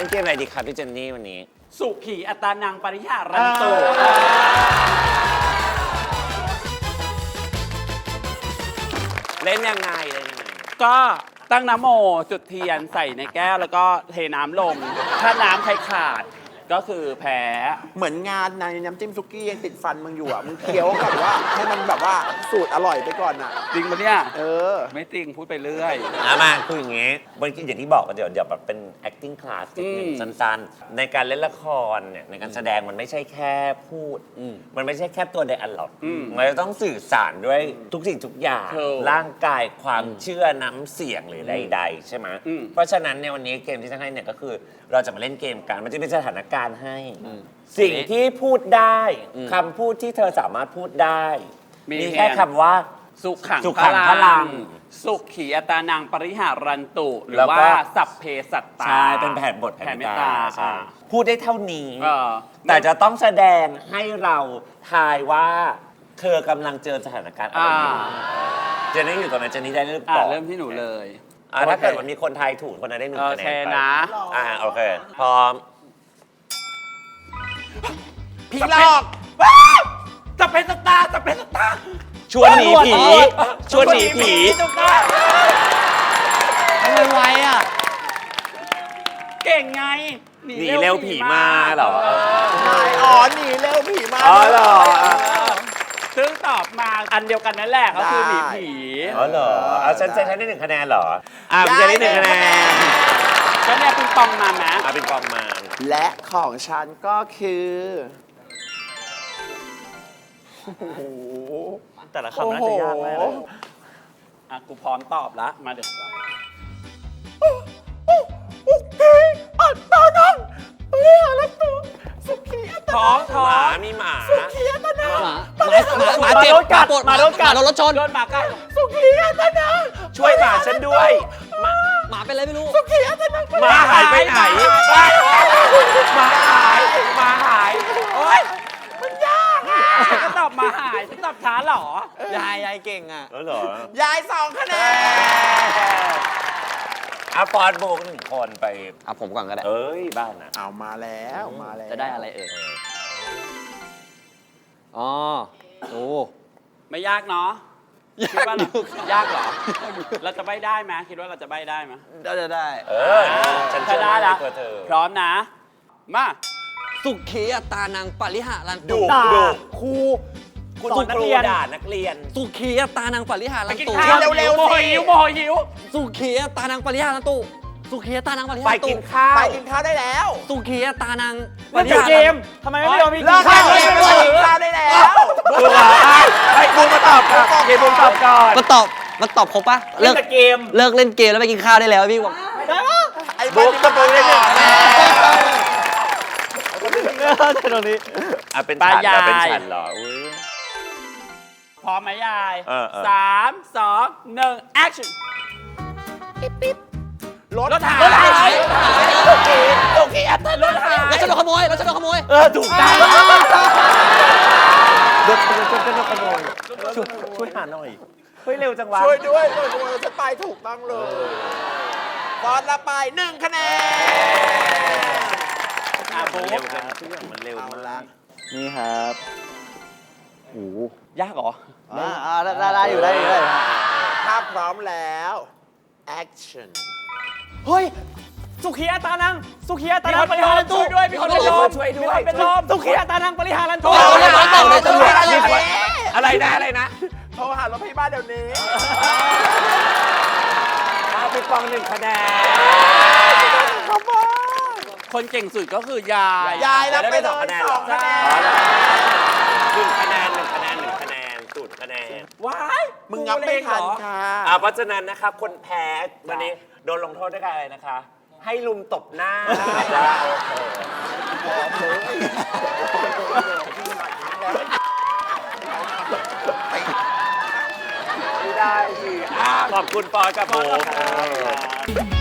ล่นเกมอะไรดีครับพี่เจนนี่วันนี้สุขีอัตานังปริหารันตุเล่นยังไงก็ตั้งน้ำโมจุดเทียนใส่ในแก้วแล้วก็เทน้ำลงถ้าน้ำใครขาดก็คือแพ้เหมือนงานในน้ำจิ้มซุกี้ยังติดฟันมึงอยู่อ่ะมึงเคี้ยวกับว่าให้มันแบบว่าสูตรอร่อยไปก่อนอ่ะจริงปะเนี่ยไม่จริงพูดไปเรื่อยมาคืออย่างงี้เมื่อกี้อย่างที่บอกกันเดี๋ยวแบบเป็น acting class นิดนึงสั้นๆในการเล่นละครเนี่ยในการแสดงมันไม่ใช่แค่พูดมันไม่ใช่แค่ตัวไดอะล็อกมันจะต้องสื่อสารด้วยทุกสิ่งทุกอย่างร่างกายความเชื่อน้ำเสียงหรือใดๆใช่ไหมเพราะฉะนั้นในวันนี้เกมที่จะให้เนี่ยก็คือเราจะมาเล่นเกมกันมันจะเป็นสถานการณ์ให้สิ่งที่พูดได้คำพูดที่เธอสามารถพูดได้มีแค่คำว่าสุขังพลังสุขีอัตานังปริหารันตุหรือว่าสัพเพสัตตาใช่เป็นแผนบทแผนเมตตาใช่พูดได้เท่านี้แต่จะต้องแสดงให้เราทายว่าเธอกำลังเจอสถานการณ์อะไรอยู่เจนนี่อยู่ตรงนั้นเจนนี่ได้เริ่มก่อนเริ่มที่หนูเลยถ้าเกิดมันมีคนทายถูกคนนั้นได้1 คะแนนไปนะโอเคพร้อมผีหลอกสัพเพสัตตาสัพเพสัตตาชวนหนีผีชวนหนีผีทำไมไวอ่ะเก่งไงหนีเร็วผีมาเหรอหนีเร็วผีมาเหรอซึ่งตอบมาอันเดียวกันนั่นแหละก็คือหนีผีเหรอฉันได้1 คะแนนเหรอพี่จะได้1 คะแนนก็เนี่ยปิงปองมาไหมปิงปองมาและของฉันก็คือแต่ละคำน่าจะยากมากเลยกูพร้อมตอบแล้วมาเดี๋ยวท้องหมามีหมาสุขีอัตนาหมาเจ็บหมาโดนกัดโดนรถชนโดนหมากัดสุขีอัตนาช่วยหมาฉันด้วยหมาเป็นอะไรไม่รู้สุขีอัตนาหมาหายไปไหนหมาหายโอ๊ยมันยากก็ตอบหมาหายฉันตอบช้าหรอยายเก่งอ่ะเหรอยาย2 คะแนนฟอนโบก1 คนไปผมก่อนก็ได้บ้านนะเอามาแล้วจะได้อะไรไม่ยากเนาะคิดว่ายากเหรอเราจะใบ้ได้ไหมคิดว่าเราจะใบ้ได้ไหมจะได้ฉันจะได้ละพร้อมนะมาสุขีอัตานังปริหารันตุครูสอนนักเรียนด่านักเรียนสุขีอัตานังปริหารันตุเร็วๆโมหิวสุขีอัตานังปริหารันตุสุขีอัตานังปริหารันตุไปกินข้าวได้แล้วสุขีอัตานังปริหารันตุเกมทำไมไม่ยอมมีกินข้าวได้แล้วบูมมาตอบก่อนบูมตอบก่อนมันตอบครบปะเลิกเกมเล่นเกมแล้วไปกินข้าวได้แล้วพี่บอกได้ปะบูมตอบได้1 คะแนนตรงนี้เป็นฉันเหรอพร้อมไหมยาย3 2 1 action รถหายโอเคอัตตารถหายแล้วฉันโดนขโมยถูกต้องรถขโมยช่วยหาหน่อยเร็วจังวะช่วยด้วยฉันไปถูกต้องเลยฟอนละไป1 คะแนนเร็วจังทุกอย่างมันเร็วมากนี่ครับยากเหรอได้อยู่ถ้าพร้อมแล้ว action เฮ้ยสุขีอัตานังปริหารันตุด้วยมีคนเป็นลมสุขีอัตานังปริหารันตุอะไรนะโทรหารถพยาบาลเดี๋ยวนี้ปิงปอง1 คะแนนคนเก่งสุดก็คือยายแล้วไป2 คะแนน1 คะแนน 1 คะแนน0 คะแนนว้ายมึงงับไม่ทันค่ะเพราะฉะนั้นนะครับคนแพ้วันนี้โดนลงโทษด้วยอะไรนะคะให้ลุมตบหน้าไม่ได้สิขอบคุณปอยกับผม